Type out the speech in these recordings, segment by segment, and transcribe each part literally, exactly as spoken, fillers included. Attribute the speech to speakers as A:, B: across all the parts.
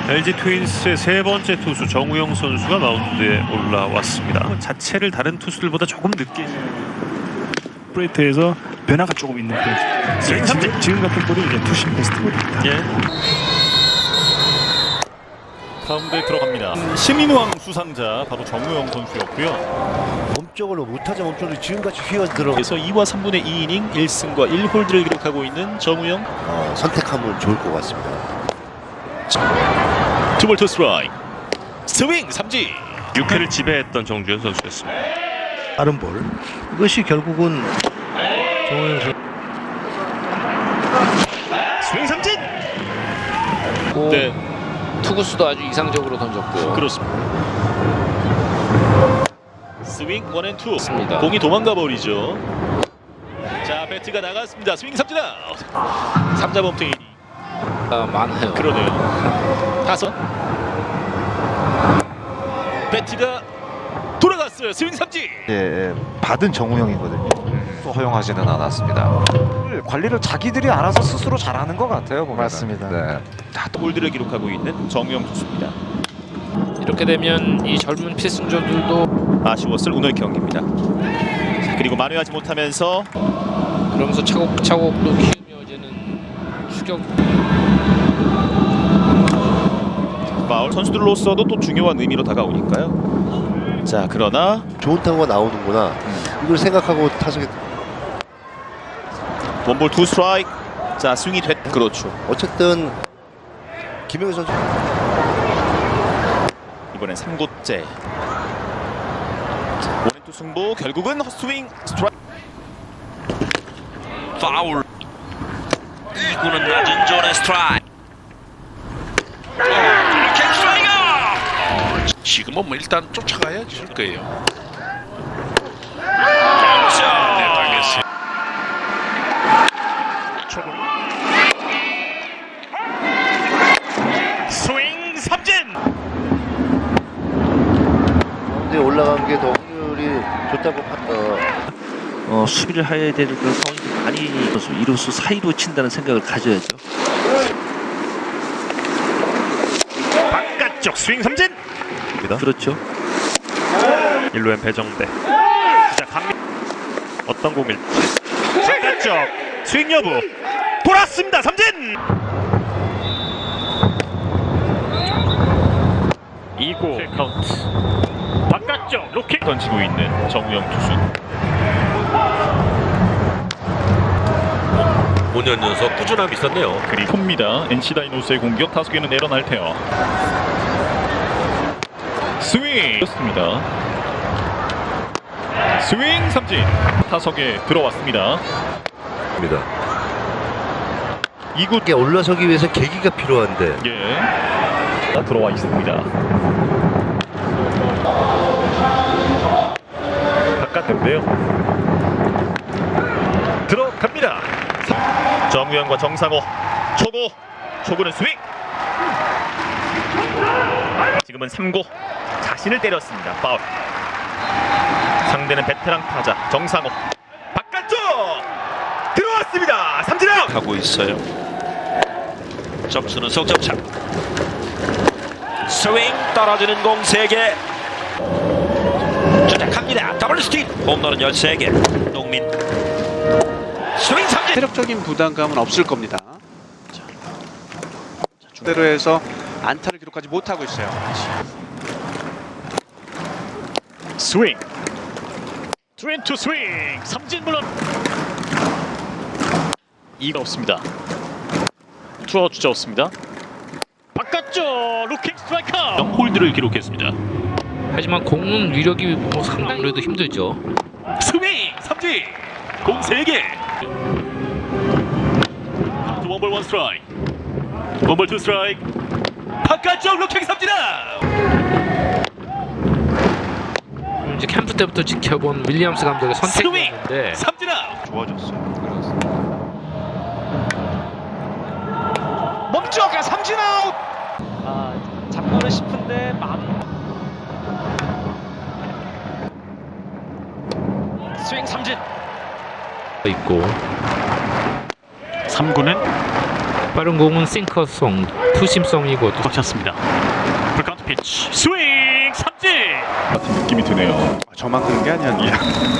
A: 엘지 트윈스의 세 번째 투수 정우영 선수가 마운드에 올라왔습니다. 자체를 다른 투수들보다 조금 늦게
B: 브레이트에서 변화가 조금 있는 그런 지금, 지금 같은 볼이 이제 투심 베스트 볼입니다.
A: 예.
C: 가운데 들어갑니다. 시민왕 수상자 바로 정우영 선수였고요.
D: 몸쪽으로 무타자 몸쪽으로 지금같이 휘어들어
C: 그래서 이와 삼분의 이 이닝 일 승과 일 홀드를 기록하고 있는 정우영.
D: 어, 선택하면 좋을 것 같습니다.
C: 투볼 투 스트라이크. 스윙 삼진.
A: 육 회를 지배했던 정주현 선수였습니다.
D: 빠른 볼. 이것이 결국은 정우영 선수.
A: 스윙 삼진.
C: 네,
E: 투구수도 아주 이상적으로 던졌고요.
C: 그렇습니다. 스윙 원앤투.
E: 맞습니다.
C: 공이 도망가 버리죠. 자, 배트가 나갔습니다. 스윙 삼진 아웃. 삼자 범퇴.
E: 아, 많아요.
C: 그러네요. 다섯. 배트가 돌아갔어요. 스윙 삼진.
F: 예, 받은 정우영이거든요. 또 허용하지는 않았습니다. 관리를 자기들이 알아서 스스로 잘하는 것 같아요. 보면.
G: 맞습니다.
F: 네.
C: 다 골드를 기록하고 있는 정우영 투수입니다.
E: 이렇게 되면 이 젊은 필승조들도
C: 아쉬웠을 오늘 경기입니다. 자, 그리고 만회하지 못하면서
E: 그러면서 차곡차곡 또 키우며지는 추격.
C: 파울. 선수들로서도 또 중요한 의미로 다가오니까요. 자, 그러나
D: 좋은 타구가 나오는구나. 이걸 생각하고 타석에
C: 원볼 투 스트라이크. 자, 스윙이 됐. 그렇죠.
D: 어쨌든 김영희 선수
C: 이번엔 삼 구째. 원앤투 승부. 결국은 헛스윙 스트라이크.
H: 파울. 이구는 낮은 존의 스트라이크. 이렇게 스트라이크. 지금은 뭐 일단 쫓아가야 줄 거예요. 자, 네, 알겠습니다.
A: 스윙 삼진.
D: 가운데 올라간 게 더 확률이 좋다고 어,
I: 어, 수비를 해야 되는 그 상황이 많이 이루수 사이로 친다는 생각을 가져야죠.
A: 바깥쪽 스윙 삼진.
I: 그렇죠.
A: 일루엔 배정대. 자, 강민. 어떤 공일지. 바깥쪽 스윙 여부. 돌았습니다. 삼진. 이 구 카운트. 바깥쪽 로켓
C: 던지고 있는 정우영 투수.
H: 오 년 연속 꾸준함이 있었네요.
C: 그리고 큽니다. 엔씨 다이노스의 공격. 타석에는 에런 알테어. 스윙. 그렇습니다. 스윙 삼진. 타석에 들어왔습니다. 이 구.
D: 이게 올라서기 위해서 계기가 필요한데
C: 예. 들어와 있습니다. 바깥인데요. 들어갑니다. 정우영과 정상호. 초구. 초구는 스윙. 지금은 삼 구. 자신을 때렸습니다. 파울. 상대는 베테랑 타자 정상호. 바깥쪽 들어왔습니다. 삼진 아웃.
H: 하고 있어요. 점수는 석점차. 스윙 떨어지는 공 세 개. 주택합니다. 더블 스틱. 홈런은 열세 개. 농민. 스윙 삼진.
J: 체력적인 부담감은 없을 겁니다. 자, 주대로 해서 안타를 기록하지 못하고 있어요.
A: 스윙. 투앤투 스윙. 삼진 물론.
C: 이가 없습니다. 투아웃 주자 없습니다.
A: 바깥쪽 루킹 스트라이크.
C: 홀드를 기록했습니다.
E: 하지만 공은 위력이 뭐 상당히 그래도 힘들죠.
C: 스윙 삼진. 공 세 개. 원볼 원 스트라이크. 원볼 투 스트라이크. 바깥쪽 루킹 삼진 아웃.
E: 이제 캠프 때부터 지켜본 윌리엄스 감독의 선택이었는데
C: 삼진 아웃.
B: 좋아졌어요.
J: 멈춰가 삼진 아웃.
G: 아, 잡고는 싶은데 마음. 스윙 삼진.
E: 있고
A: 삼 구는
E: 빠른 공은 싱커송, 투심성이고 또
C: 꽉 찼습니다. 풀카운트 피치 스윙 삼진.
B: 느낌이 드네요.
J: 저만 그런 게 아니야.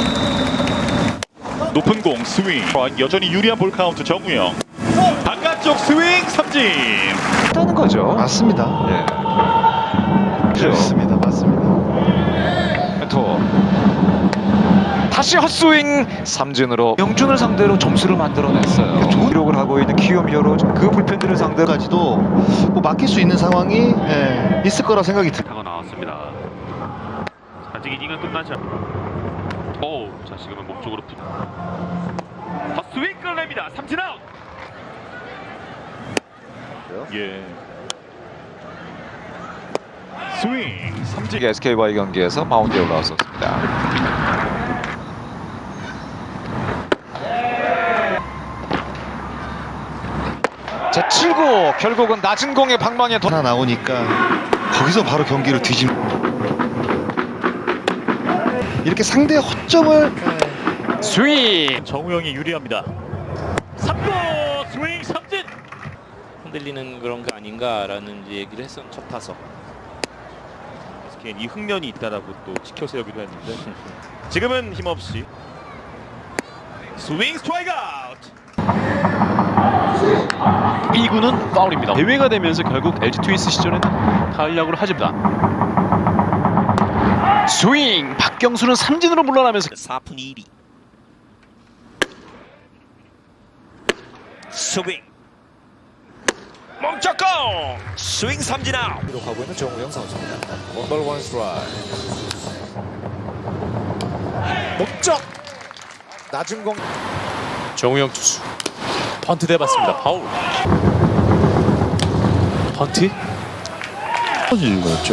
B: 높은 공 스윙. 여전히 유리한 볼 카운트 정우영. 바깥쪽 스윙 삼진.
F: 했다는 거죠.
D: 맞습니다.
F: 예.
D: 그렇습니다. 맞습니다.
F: 또 다시 헛스윙 삼진으로 영준을 상대로 점수를 만들어냈어요. 좋은 기록을 하고 있는 키움 히어로 그 불펜들을 상대로
D: 까지도 뭐 맡길 수 있는 상황이 예, 있을 거라 생각이 듭니다.
A: 타고 나왔습니다. 아직 이닝은 끝나지 않. 오, 자 지금은 몸쪽으로 푸. 헛스윙 끌어냅니다. 삼진 아웃.
B: 예. 스윙 삼진.
F: 에스케이와의 경기에서 마운드에 올라왔었습니다. 제칠 구 결국은 낮은 공의 방망이에 더
D: 하나 나오니까 거기서 바로 경기를 뒤집. 이렇게 상대의 허점을
F: 스윙.
B: 정우영이 유리합니다.
C: 삼 구 스윙 삼진.
I: 흔들리는 그런 거 아닌가라는 이제 얘기를 했었는 첫 타석. 에스케이는 이 흥면이 있다라고 또 지켜세우기도 했는데 지금은 힘없이 스윙 스트라이크 아웃.
C: 이 구는 파울입니다. 대회가 되면서 결국 엘지 트윈스 시절에는 파울 야구를 하집니다. 스윙 박경수는 삼진으로 물러나면서
H: 사 푼 일 리. 스윙 멈쩍공 스윙 삼진 아웃.
F: 기록하고 있는 정우영 선수입니다. 원볼 원 스트라이크. 목적 낮은 공.
C: 정우영 투수 펀트 대봤습니다. 파울. 펀트
B: 터지는 거였죠.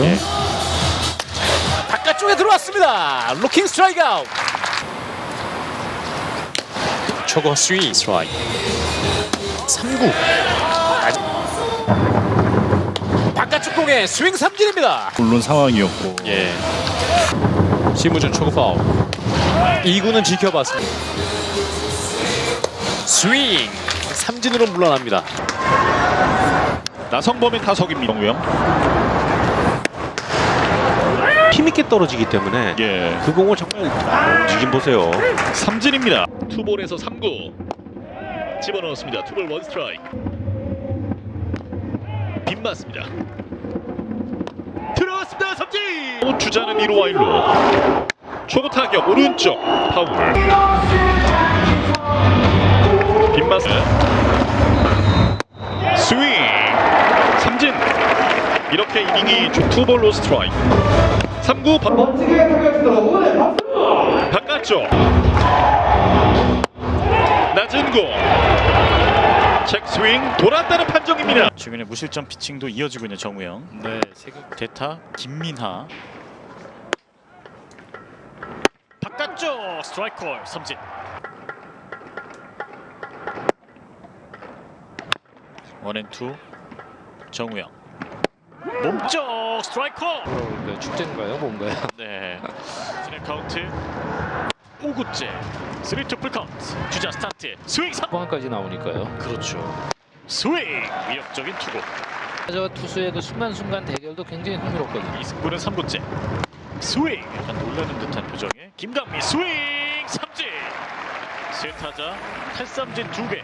C: 바깥쪽에 들어왔습니다. 로킹 스트라이크 아웃. 초거 스윙 스트라이크. 삼 구 바깥쪽 공에 스윙 삼진입니다.
B: 물론 상황이었고.
C: 예. 심우준 초구 파울. 이 구는 지켜봤습니다. 스윙 삼진으로 물러납니다.
B: 나성범의 타석입니다. 정우영.
I: 힘있게 떨어지기 때문에
B: 예.
I: 그 공을 정말 움직임 보세요.
B: 삼진입니다.
C: 투볼에서 삼 구 집어넣었습니다. 투볼 원 스트라이크. 빗맞습니다. 들어왔습니다. 삼진.
B: 주자는 일 루와 일 루. 초구 타격 오른쪽 파울. 빗맞. 스윙 삼진. 이렇게 이닝이 투볼로 스트라이크. 삼 구 바... 바깥쪽 낮은 공 책 스윙 돌았다는 판정입니다. 최근에 무실점 피칭도 이어지고 있는 정우영. 네, 대타 김민하. 바깥쪽 스트라이크 콜 삼진. 원앤투 정우영. 몸쪽 스트라이크 콜.
E: 그러니까 축제인가요, 뭔가요?
B: 네. 스냅 카운트 오 구째 쓰리 투 풀 카운트. 주자 스타트 스윙 삼.
E: 후반까지 나오니까요.
B: 그렇죠. 스윙 위협적인 투구.
E: 저 투수의 그 순간순간 대결도 굉장히 흥미롭거든요.
B: 이승구는 삼 구째 스윙. 약간 놀라는 듯한 표정에 김강미 스윙 삼진. 세 타자 탈삼진 두 개.